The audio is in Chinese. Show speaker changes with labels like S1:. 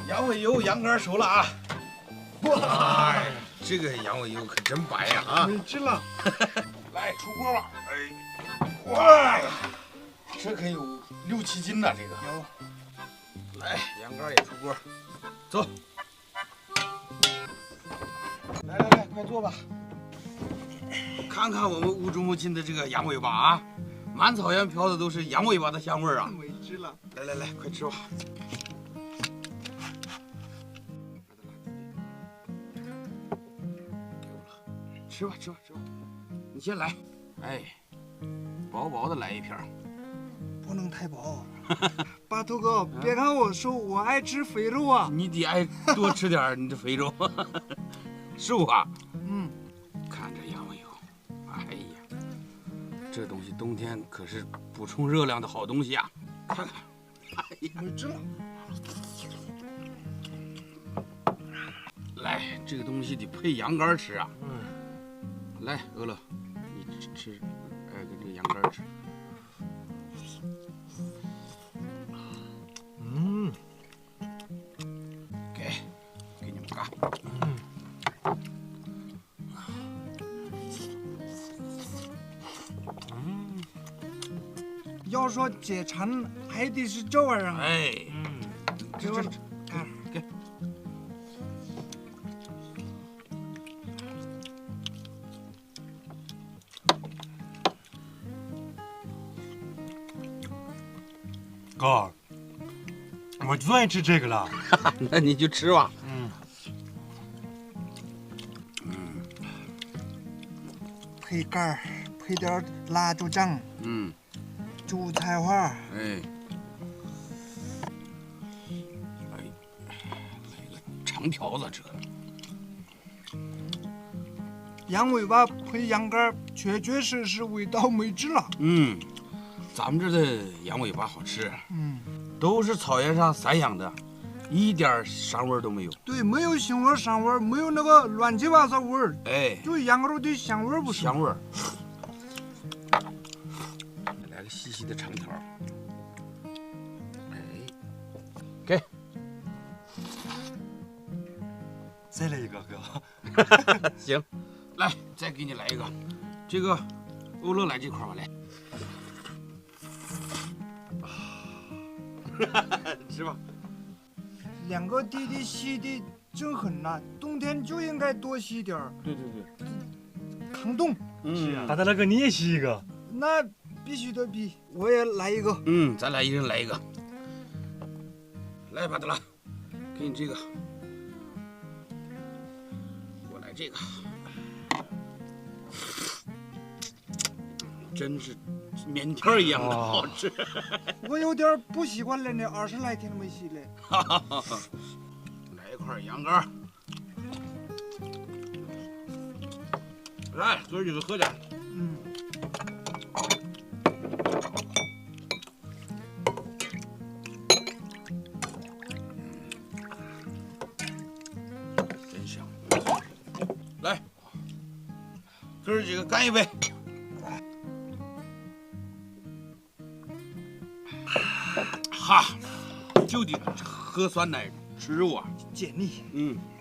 S1: 羊尾油羊肝熟了啊！
S2: 哇，这个羊尾油可真白呀！啊，
S3: 没治了。
S1: 来出锅吧！哎，哇呀，这可有6、7斤呢，这个。
S3: 有。
S1: 来，羊肝也出锅，走。来，快坐吧。看看我们乌珠穆亲的这个羊尾巴啊，满草原飘的都是羊尾巴的香味儿啊！
S3: 没治了。
S1: 来，快吃吧。吃吧，你先来。哎，薄薄的来一片。
S3: 不能太薄。巴图哥，别看我瘦，我爱吃肥肉啊。
S1: 你得爱多吃点你这肥肉。瘦啊。
S3: 嗯。
S1: 看这羊尾油，哎呀，这东西冬天可是补充热量的好东西啊！看看，哎呀，
S3: 没治了。
S1: 来，这个东西得配羊肝吃啊。来，俄乐，你吃，跟这个羊肝吃。给你们嘎。
S3: 要说解馋，还得是这玩意儿。
S1: 哎，
S3: 这玩意儿，
S1: 给。
S4: 哥，我最爱吃这个了。
S1: 那你就吃吧。
S3: 配肝儿，配点辣椒酱，韭菜花。
S1: 哎，来个长条子这。
S3: 羊尾巴配羊肝，确实味道没治了。
S1: 咱们这的羊尾巴好吃。都是草原上散养的，一点膻味都没有。
S3: 对，没有腥味、膻味，没有那个乱七八糟味儿。
S1: 哎，
S3: 就羊肉的香味不是？
S1: 香味儿。来个细细的长条。哎，给。
S4: 再来一个，哥。
S1: 行，来，再给你来一个。这个，欧乐来这块吧，来。吃吧。
S3: 两个弟弟吸的真狠呐，冬天就应该多吸点儿。
S1: 对，
S3: 抗冻。
S4: 是啊。大大哥，你也吸一个。
S3: 那必须的比，我也来一个。
S1: 咱俩一人来一个。来，巴德拉，给你这个，我来这个。真是面条一样的好吃。
S3: 我有点不习惯了呢，20来天没洗了。
S1: 来一块羊肝。来，哥几个喝点。真香。来，哥几个干一杯。哈，就得喝酸奶吃肉啊，
S3: 解腻。